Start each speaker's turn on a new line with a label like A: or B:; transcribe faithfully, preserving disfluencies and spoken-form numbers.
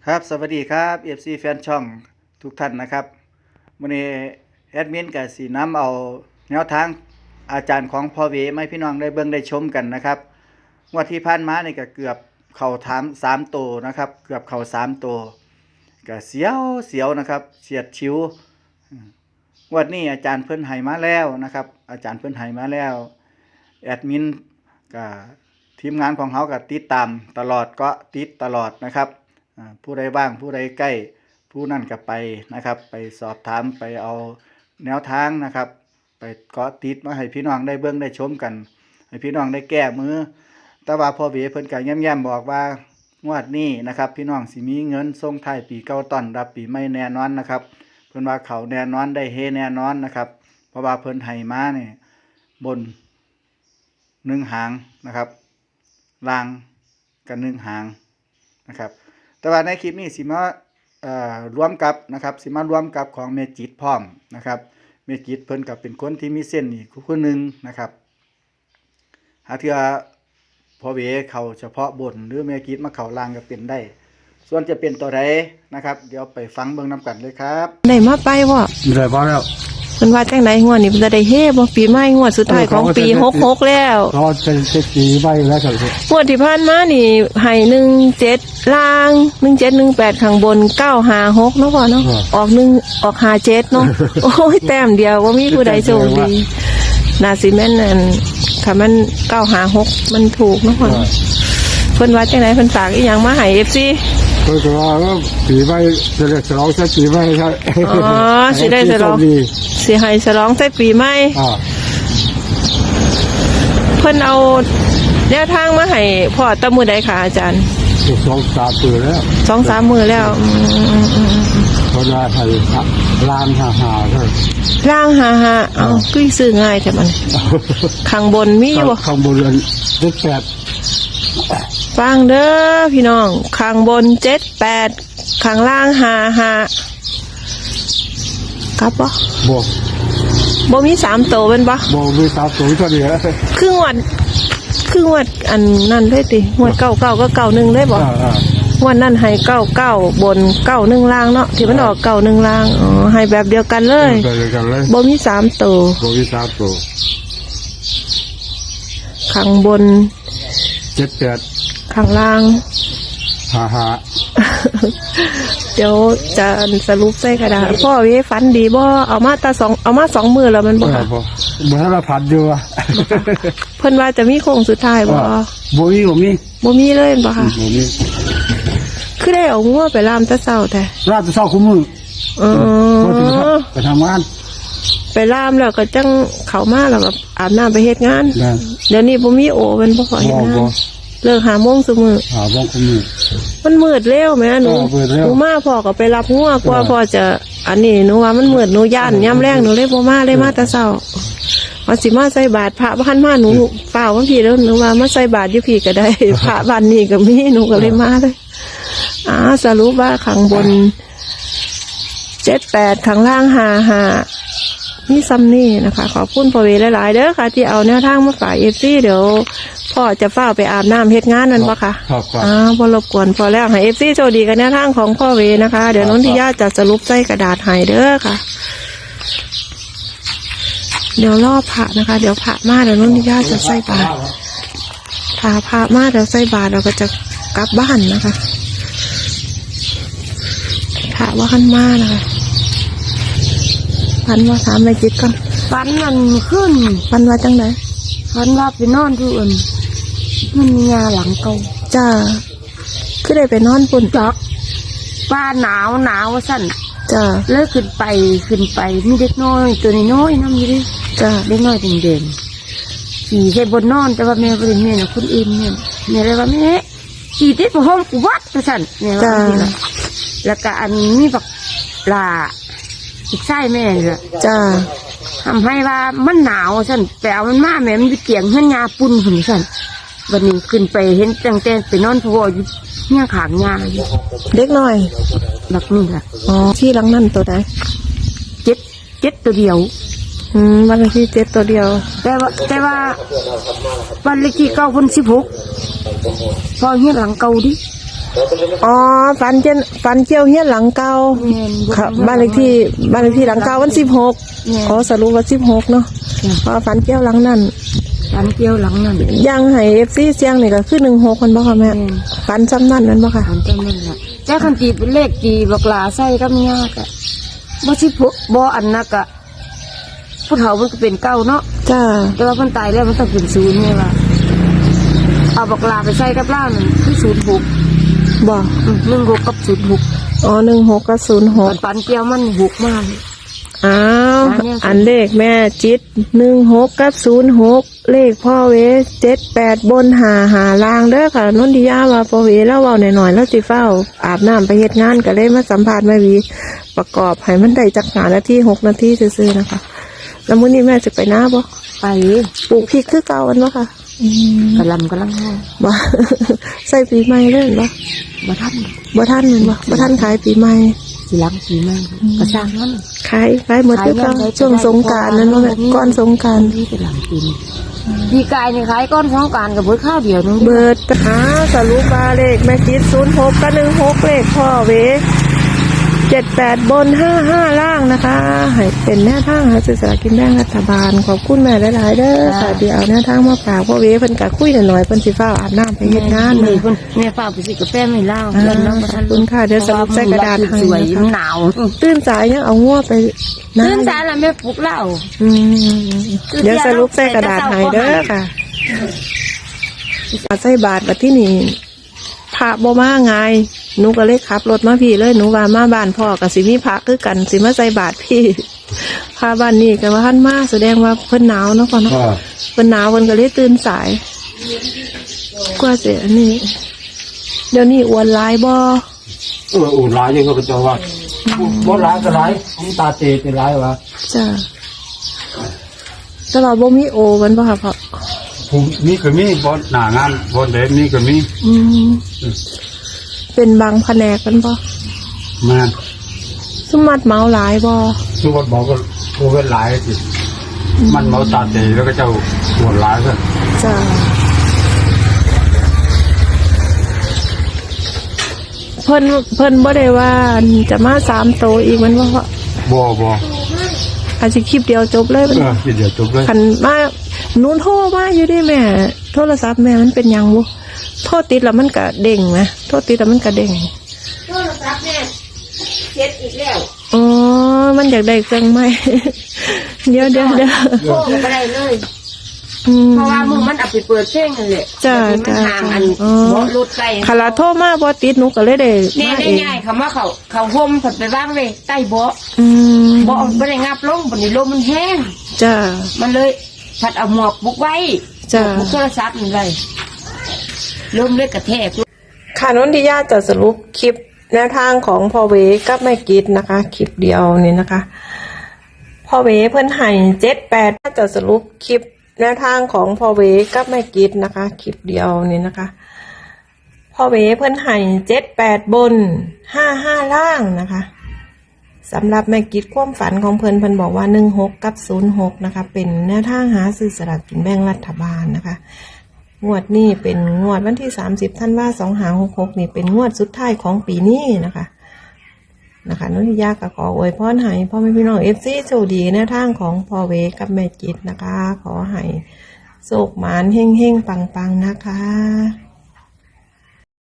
A: ครับสวัสดีครับ เอฟ ซี แฟนช่องทุกท่านนะครับวันนี้แอดมินกับสีน้ำเอาแนวทางอาจารย์ของพ่อเวไม่พี่น้องได้เบิ่งได้ชมกันนะครับงวดที่ผ่านมานี่ก็เกือบเข่าถามสามตัวนะครับเกือบเข่าสามตัวก็เสียวเสียวนะครับเสียดชิวงวดนี้อาจารย์เพิ่นให้มาแล้วนะครับอาจารย์เพิ่นให้มาแล้วแอดมินกับทีมงานของเขาก็ติดตามตลอดก็ติดตลอดนะครับผู้ใดว่างผู้ใดใกล้ผู้นั่นก็ไปนะครับไปสอบถามไปเอาแนวทางนะครับไปเกาะติดมาให้พี่น้องได้เบิ่งได้ชมกันให้พี่น้องได้แก้มือแต่ว่าพ่อเวเพิ่นก็แย้มๆบอกว่างวดนี้นะครับพี่น้องสิมีเงินส่งท้ายปีเก่าต้อนรับปีใหม่แน่นอนนะครับเพิ่นว่าเขาแน่นอนได้เฮแน่นอนนะครับเพราะว่าเพิ่นให้มาเนี่ยบนหนึ่งหางนะครับล่างกันหนึ่งหางนะครับแต่ว่าในคลิปนี้สิมาเอ่อรวมกับนะครับสิมารวมกับของเมจิตพร้อมนะครับเมจิตเพิ่นก็เป็นคนที่มีเส้นอีกคนหนึ่งนะครับหาเทื่อพอเวเขาเฉพาะบนหรือเมจิตมาเขาล่างก็เป็นได้ส่วนจะเป็นตัวใดนะครับเดี๋ยวไปฟังเบิ่งนำกันเลยครับ
B: ได้มาไปบ่
C: ได้พอแล้ว
B: เพิ่นว่าจังได๋งวดนี้เพิ่นจะได้เฮบ่ปีใหม่งวดสุดท้ายของปีหกสิบหกแล้ว
C: เขาจะจะปีใบแล้วครับ
B: งวดที่ผ่านมานี่ให้หนึ่งเจ็ดล่างหนึ่งเจ็ดหนึ่งแปดข้างบนเก้าห้าหกเนาะพ่อเนาะออกหนึ่งออกห้าเจ็ดเนาะโอ้ยแต้มเดียวบ่มีผู้ใดโชคดีน่าสิแม่นนั่นถ้ามันเก้าห้าหกมันถูกเนาะพ่อเพิ่นว่าจังได๋เพิ่นฝากอีหยังมาให้ เอฟ ซี
C: เพิ่นก็ว่าปีใบจะได้ฉลองใช้ปีใบใช่
B: อ๋อสิได้ฉลองสิให้ฉลองใช้ปีใหม่
C: อ่า
B: เพิ่นเอาแนวทางมาให้พ่อตะมื้อใดค่ะอาจารย์
C: สองสามมื้อแล้ว
B: สองสาม มื้อแล้วอืมๆๆ
C: เพิ่นว่าให้ล้านห้าห้าเด้อ
B: ล่างห้าห้าเอ้าคือซื้อง่ายแท้มันข้างบนมีบ่
C: ข้างบนเจ็ดแปด
B: ฟังเด้อพี่น้องข้างบนเจ็ดแปดข้างล่างห้าห้าครับบ่
C: บ่
B: บ่มีสามโตเป็นบ่
C: บ่มีสามโตเท่านี้
B: ครึ่งวันครึ่งวันอันนั้นเลยติงวดเก้าเก้าก็เก้าหนึ่งเลยบ่วันนั้นให้เก้าเก้าบนเก้าหนึ่งล่างเนาะที่มันออกเก้าหนึ่งล่างอ๋อให้แบบเดียวกันเลยบ่มีสามโต
C: บ่มีสามโต
B: ข้างบน
C: เจ็ดแปด
B: ข้างล่าง
C: ห้าห้า
B: เดี๋ยวจะสรุปใส่กระดาษพ่อเวฝันดีบ่เอามาตาสองเอามาสองมือแล้วมันบ่ค่ะ
C: บ่บ่ทันผัดอยู่อ่ะ
B: เพิ่นว่าจะมีโค้งสุดท้ายบ่
C: บ่มีบ่มี
B: บ่มีเลยบ่ค่ะ
C: บ่มี
B: คือได้เอางัวไปล่ามตะเช้าแต่
C: ล่ามตะเช้าคุมื้อ
B: เออ
C: ไปทำงาน
B: ไปล่ามแล้วก็จังเข้ามาแล้วก็อาบน้ำไปเฮ็ดงานเดี๋ยวนี้บ่มีโอเป็นบ่ขอเฮ็ดงานเลิกหาโมงซุมื้อ
C: หาโมงคุมื้อ
B: มันมืดเร็วแม่หนูหนูมาพ่อก็ไปรับงัวกว่าพ่อจะอันนี้หนูว่ามันมืดหนูย่านยามแลงหนูเลยบ่มาเลยมาแต่เช้าว่าสิมาใส่บาตรพระบ้านมาหนูเปล่าว่าพี่แล้วหนูว่ามาใส่บาตรอยู่พี่ก็ได้พระบ้านนี้ก็มีหนูก็เลยมาเลยอ่าสรุปว่าข้างบนเจ็ดแปดข้างล่างห้าห้านี่ซ้ำนี่นะคะขอบคุณพ่อเวหลายๆเด้อค่ะที่เอาแนวทางมาฝากเอฟซีเดี๋ยวพ่อจะเฝ้าไปอาบน้ำเฮ็ดงานนั่นปะคะอ่าพอรบกวนพอแล้วให้เอฟซีโชคดีกันแนวทางของพ่อเวนะคะเดี๋ยวนนทิยาจะสรุปใส่กระดาษให้เด้อค่ะเดี๋ยวรอพระนะคะเดี๋ยวพระมาเดี๋ยวนนทิยาจะใส่บาตรถ้าพระมาเดี๋ยวใส่บาตรเราก็จะกลับบ้านนะคะพระว่าขันมานะคะฟันว่าสามในจิตก่อน
D: ฟันมันขึ้น
B: ฟันว่าจังไหน
D: ฟันว่าไปนอนที่อื่นมันมีงาหลังเก่า
B: จ้าคือได้ไปนอนปุ่น
D: จักป้าหนาวหนาวสั่น
B: จ้า
D: เลิกขึ้นไปขึ้นไปมีเด็กน้อยตัวน้อยน้ำอยู่ดิ
B: จ้า
D: เด็กน้อยเด่นๆขี่ใส่บนนอนแต่ว่าแม่บริเวณน่ะคุณอินเนี่ยแม่เลยว่าแม่ขี่ติดห้องกูวัดสั่นเนี่ยว่าแล้วก็อันนี้แบบลาอีกไส้แม่เลย
B: จ้า
D: ทำให้ว่ามันหนาวสั่นแต่เอามันมาแม่มันจะเกี่ยงเฮือนยาปุ่นหุ่นสั่นวันนี้ขึ้นไปเห็นตั้งแต่ไปนอนพออยู่เนี่ยขางยา
B: เด็กน้อย
D: หลักนี่ค่ะ
B: อ๋อที่หลังนั่นตัวไหน
D: เจ็ดเจ็ดตัวเดียว
B: อืมวันเลขที่เจ็ดตัวเดียว
D: แต่ว่าแต่ว่าวันเลขที่เก้าพันสิบหกพอเฮียหลังเก่าดิ
B: อ๋อฝันเจนฝันเกี่ยวเฮียนหลังเก่า
D: แม่น
B: ครับบ้านเลขที่บ้านเลขที่หลังเก่าวันสิบหกอ๋อสรุปว่าสิบหกเนาะเพราะฝันเกี่ยวหลังนั้น
D: ฝันเกี่ยวหลังนั่น
B: ยังให้เอฟซีเสียงนี่ก็คือหนึ่งหกคนบ่ค่ะแม่ฝันซ้ำนั่นนั่นบ่ค่ะ
D: ฝันจำนั่นแหละเจ้าคันตีเป็นเลขตีบักหลาใส่กับยากอะบ่สิพุบ่อันนักอะผู้เฒ่ามันก็เป็นเก้าเนาะ
B: จ้า
D: แต่ว่ามันตายแล้วมันต้องเป็นศูนย์ไงว่าเอาบักลาไปใส่กับล่ามันคือศูนย์หก
B: บ่
D: หนึ่งหกกับศูนย์หก
B: อ๋อหนึ่งหกกับศูนย์หก
D: ปันเกี่ยวมันหกมาก
B: อ้าว
D: อันเนี้ย
B: อันเลขแม่จิตหนึ่งหกกับศูนย์หกเลขพ่อเวเจ็ดแปดบนหาหาล่างเด้อค่ะนนทิยาว่าพ่อเวแล้วเว้าหน่อยๆแล้วสิเฝ้าอาบน้ำไปเฮ็ดงานก็เลยมาสัมภาษณ์แม่วีประกอบให้มันได้จักหานาทีหกนาทีซื่อๆนะคะแล้วมื้อนี้แม่จะไปหน้าบ่
D: ไป
B: ปลูกพริกคือเก่าอันบ่ค่ะอืม
D: กระลำกระลังห้อง
B: บ่ ใส่ปีใหม่เลยบ่
D: มาทัน
B: บ่ทันแม่นบ่บ่ทันขายปีใหม่
D: สีหลังสีแม่กระช่างมัน
B: ขายขายหมดคือเก่าช่วงสงกรานต์นั้นบ่แม่ก่อนสงกรานต์
D: นี่เป็นหลังปีนปีกายนี่ขายก้อนของการกับเบิดข้าวเดียวนึง
B: เบิดหาสรุปบาเลขแม่คิดศูนย์หกกับหนึ่งหกเลขพ่อเวเจ็ดแปดบนห้าห้าล่างนะคะให้เป็นแนวทางหาซื้อสลากกินแบ่งรัฐบาลขอบคุณแม่หลายๆเด้อค่ะเดี๋ยวเอาแนวทางมาฝากพ่อเวเพิ่นกะคุยหน่อยๆเพิ่นสิฟ้าวอาบน้ำไปเฮ็ดงาน
D: นี่
B: เลย
D: เพิ่นแม่ฝากไปสิกาแฟไม่เล่า
B: อ่า
D: แล้วน้องมาทัน
B: ขอบคุณค่ะเดี๋ยวสรุปใส่กระดาษให้
D: สวย
B: นะคะ
D: มันหนาว
B: ตื่นสายยังเอางัวไป
D: ตื่นสายแล้วแม่ปลุกเหล้า
B: อืมเดี๋ยวสรุปใส่กระดาษให้เด้อค่ะใส่บาทบัดที่นี่พระบ่มาไงหนูก็เลยขับรถมาพี่เลยหนูว่ามาบ้านพ่อกับสิมีพระคือกันสิมาใส่บาทพี่พาบ้านนี้ก็ว่าท่านมาแสดงว่าเพิ่นหนาวเนาะพ่อเนาะ
C: อ่า
B: เพิ่นหนาวเพิ่นก็เลยตื่นสายกว่าจะอันนี้ เดี๋ยวนี้อ้วนหลายบ่
C: เอออุ่นหลายยังก็เจ้าว่าบ่หลายก็หลายผมตาเตเป็นหลายวะ
B: จ้ะแต่ว่าบ่มีโอมันบ่ค่ะพ่อ
C: ผมนี่ก็มีบ่หน้างานบ่เด่นนี่ก็มี
B: อืมเป็นบางแผนกกันบ่
C: มา
B: สมมัดเมาหลายบ่
C: สุวัสดิ์บอกว่าโควิดหลายสิมันเมาตาเตแล้วก็เจ้าปวดหลายซะ
B: จ้ะเพิ่นเพิ่นบ่ได้ว่าจะมาสามโตอีกมันบ่พ่อ
C: บ่บ่
B: อาจจะคลิปเดียวจบเลยมัน
C: เออเดี๋ยวจบเลย
B: คันมาหนูโทรมาอยู่ดิแม่ โทรศัพท์แม่มันเป็นหยังบ่โทรติดแล้วมันก็เด้งนะโทรติดแล้วมันก็เด้ง
D: โทรศัพท์แม่เจ็ดอีกแล้ว
B: อ๋อมันอยากได้เครื่องใหม่ เดี๋ยวเดี๋ยวเดี๋ยว
D: โทรก็ไม่ได้เลย
B: อืม
D: เพราะว่ามึงมันเอาไปเปิดเพลงนั่นแหละ
B: จ้ะ
D: มันห่างอัน
B: อ๋อ
D: เบาะรถไกล
B: คาราโทรมาบ่ติดหนูก็เลยได้
D: เนี่ย
B: มา
D: ได้
B: เอง
D: ง่ายคำว่าเขาเขาห่มผัดไปบ้างเลยใต้เบาะ
B: อืม
D: เบาะไม่ได้งับลงบนนี้ลมมันแห้ง
B: จ้า
D: มันเลยผัดเอาหมวกบุกไว้
B: จ้ะ
D: บุกโทรศัพท์มันไว้ลมเลยกระแทก
B: ค่ะนนทิยาจะสรุปคลิปแนวทางของพ่อเวกับแม่กิดนะคะ คลิปเดียวนี่นะคะพ่อเวเพิ่นให้เจ็ดแปดจะสรุปคลิปแนวทางของพ่อเวกับแม่กิดนะคะ คลิปเดียวนี่นะคะพ่อเวเพิ่นให้เจ็ดแปดบนห้าห้าล่างนะคะสำหรับแม่กิดความฝันของเพิ่นเพิ่นบอกว่าหนึ่งหกกับศูนย์หกนะคะ เป็นแนวทางหาซื้อสลากกินแบ่งรัฐบาลนะคะงวดนี้เป็นงวดวันที่สามสิบธันวาคมสองห้าหกหกนี่เป็นงวดสุดท้ายของปีนี้นะคะนะคะนนทิยาก็ขออวยพรให้พ่อแม่พี่น้องเอฟซีโชคดีแนวทางของพ่อเวกับแม่กิดนะคะ ขอให้โชคหมานเฮงเฮงปังปังนะคะ